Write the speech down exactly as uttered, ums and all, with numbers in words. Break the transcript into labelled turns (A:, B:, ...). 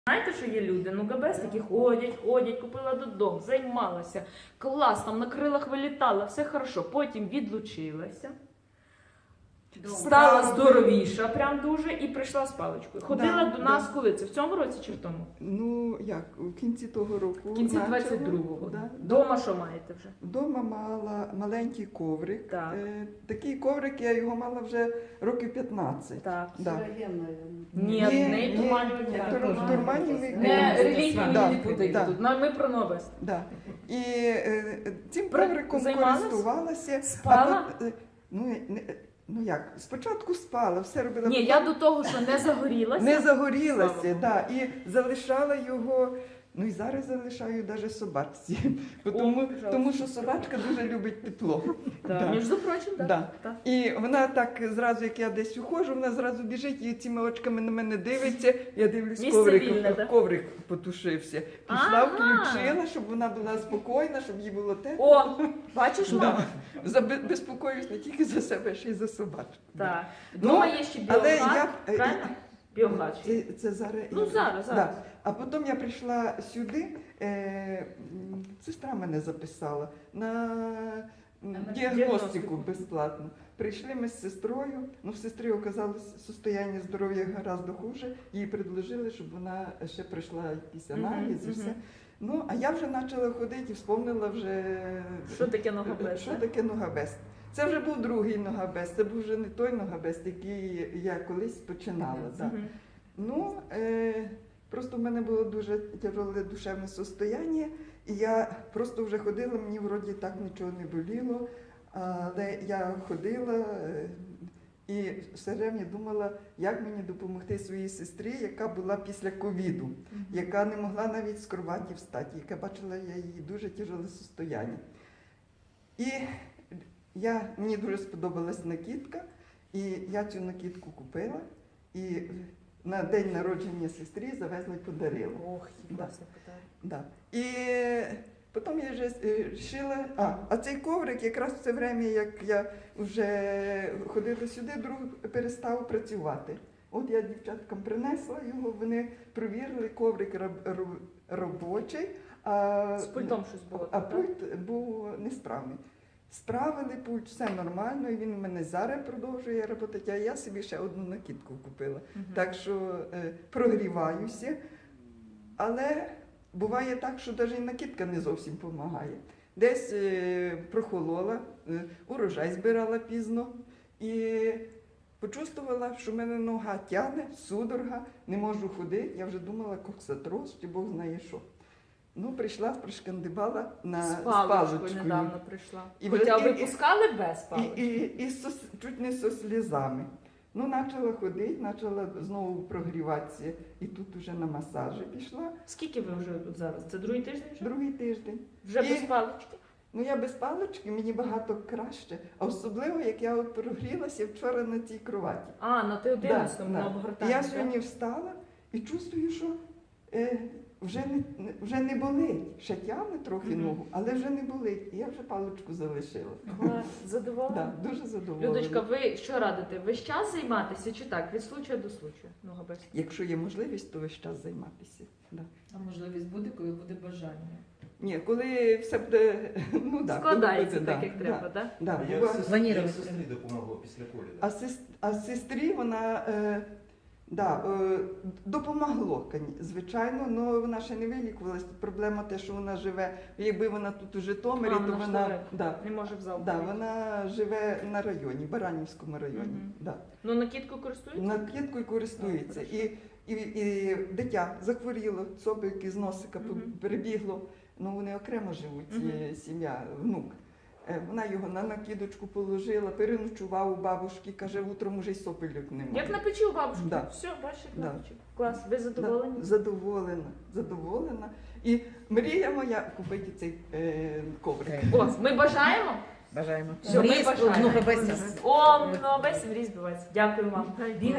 A: Знаєте, що є люди? Ну, габес такі ходять, ходять, купила додому, займалася, клас, там на крилах вилітала, все хорошо. Потім відлучилася, стала здоровіша, прям дуже, і прийшла з паличкою. Ходила
B: Да,
A: до нас
B: да.
A: коли? Це в цьому році чи в тому?
B: Ну, як, у кінці того року.
A: В кінці
B: начала.
A: двадцять другого.
B: Да.
A: Дома що маєте вже?
B: Вдома мала маленький коврик.
A: Так.
B: Е, такий коврик, я його мала вже років п'ятнадцять.
A: Так.
B: Да.
A: Ні,
B: Ні,
A: не
B: ні,
A: турманіві.
B: ні,
A: так.
B: тур- турманіві.
A: Не
B: Да.
A: релігію
B: Да,
A: не путайте
B: да.
A: тут. Ну, Ми про новест.
B: Да. І е, цим
A: Про-
B: ковриком
A: займалась?
B: користувалася.
A: Спала?
B: А, е, ну, не- ну як, спочатку спала, все робила.
A: Ні,
B: потім
A: я до того, що не загорілася.
B: не
A: Слава
B: загорілася,
A: Богу.
B: да, і залишала його. Ну і зараз залишаю навіть собачці, Бо тому,
A: пожалуйста.
B: тому що собачка дуже любить тепло.
A: Так,
B: Да.
A: між прочим, так.
B: Да.
A: Так.
B: І вона так зразу, як я десь уходжу, вона зразу біжить і цими очками на мене дивиться. Я дивлюсь,
A: Місце
B: коврик,
A: вільне, да?
B: коврик потушився. Пішла,
A: Ага.
B: включила, щоб вона була спокійна, щоб їй було тепло.
A: О, бачиш, мама?
B: Да. За бе- безпокоюсь не тільки за себе, ще й за собачку.
A: Так.
B: Ну,
A: Дома є ще
B: але
A: біогаз,
B: я- е,
A: правильно? Біогаз.
B: Це, це зараз.
A: Ну,
B: я-
A: зараз, зараз.
B: Да. А потім я прийшла сюди, е, м, сестра мене записала на м,
A: На
B: діагностику
A: діагностику.
B: безплатно. Прийшли ми з сестрою, ну в сестрі оказалось состояння здоров'я гораздо хуже, їй предложили, щоб вона ще прийшла якісь
A: Мгм,
B: аналізи,
A: мгм.
B: все. Ну, а я вже почала ходити і вспомнила вже,
A: Що таке ногабес?
B: що
A: так?
B: таке ногабес. Це вже був другий ногабес, це був вже не той ногабес, який я колись починала. Да.
A: Мгм.
B: Ну, е, просто в мене було дуже тяжеле душевне состояння, і я просто вже ходила, мені вроді так нічого не боліло, але я ходила е, і все время думала, як мені допомогти своїй сестрі, яка була після ковіду,
A: Мгм.
B: яка не могла навіть з кроваті встати, яка бачила я її дуже тяжеле состояння. І я, мені дуже сподобалась накидка, і я цю накидку купила, і на день народження сестрі завезла і подарила.
A: Ох, власне питання.
B: Да. І потім я вже е, шила, а, а цей коврик якраз в це время, як я вже ходила сюди, друг перестав працювати. От я дівчаткам принесла його, вони провірили, коврик роб- роб- робочий, а,
A: З пультом щось було.
B: а
A: так?
B: пульт був несправний. Справили пульт, все нормально, і він у мене зараз продовжує працювати, а я собі ще одну накидку купила.
A: Мгм.
B: Так що е, прогріваюся, але буває так, що навіть і накидка не зовсім допомагає. Десь е, прохолола, е, урожай збирала пізно і почувствувала, що в мене нога тягне, судорога, не можу ходити. Я вже думала, коксатроз, чи Бог знає що. Ну, прийшла, пришкандибала на
A: З
B: з
A: паличкою
B: паличкою.
A: недавно прийшла.
B: І
A: Хоча
B: вже- і-
A: випускали без
B: І,
A: палички.
B: і, і со- чуть не зі слізами. Ну, почала ходити, почала знову прогріватися. І тут вже на масажі пішла.
A: Скільки ви вже тут зараз? Це другий тиждень вже?
B: Другий тиждень.
A: Вже
B: І-
A: без палички?
B: Ну, я без палички, мені багато краще. А особливо, як я от прогрілася вчора на цій кроваті.
A: А, на ти одинадцятому,
B: Да,
A: на
B: да.
A: обгортанні.
B: Я
A: так?
B: сьогодні встала і чувствую, що е, вже, не, не- вже не болить. Ще тягне трохи
A: Мгм.
B: ногу, але вже не болить. І я вже паличку залишила.
A: Клас, задоволена?
B: Да, дуже задоволена.
A: Людочка, ви що радите? Весь час займатися чи так? Від случаю до случаю? Ногабес.
B: Якщо є можливість, то весь час займатися. Да.
C: А можливість буде, коли буде бажання.
B: Ні, коли все буде, ну да,
A: Складається
B: коли
A: так,
B: буде,
A: як
B: да,
A: треба, так?
B: Да,
D: Я
B: бува-
D: сестрі,
C: Планірувати
D: я сестрі допомогло після ковіду.
B: а, сес- а сестрі вона е, да, е, допомогло, коні- звичайно, але вона ще не вилікувалась. Тут проблема те, що вона живе, якби вона тут у Житомирі,
A: А,
B: то
A: вона ж
B: вона,
A: далеко.
B: да,
A: Не може в зал.
B: да,
A: прийти.
B: вона живе на районі, Баранівському районі.
A: Мгм.
B: Да.
A: Ну, накидку користуєтеся?
B: Накидкою користується.
A: Ну,
B: І, і, і дитя захворіло, цопик з носика
A: Мгм.
B: перебігло. Ну, вони окремо живуть,
A: Мгм.
B: е, сім'я, внук. Е, Вона його на накидочку положила, переночував у бабушки, каже, утром уже й сопельок немає.
A: Як на печі у бабушки?
B: Да.
A: Все, бачите,
B: Да.
A: на печі. Клас, ви задоволені?
B: Да, задоволена, задоволена. І мрія моя купити цей е, коврик.
A: О, ми бажаємо?
C: Бажаємо.
A: Все, ми
C: Мрій,
A: бажаємо.
C: ну, габесія.
A: О, ну, без мрій збивається. Дякую вам.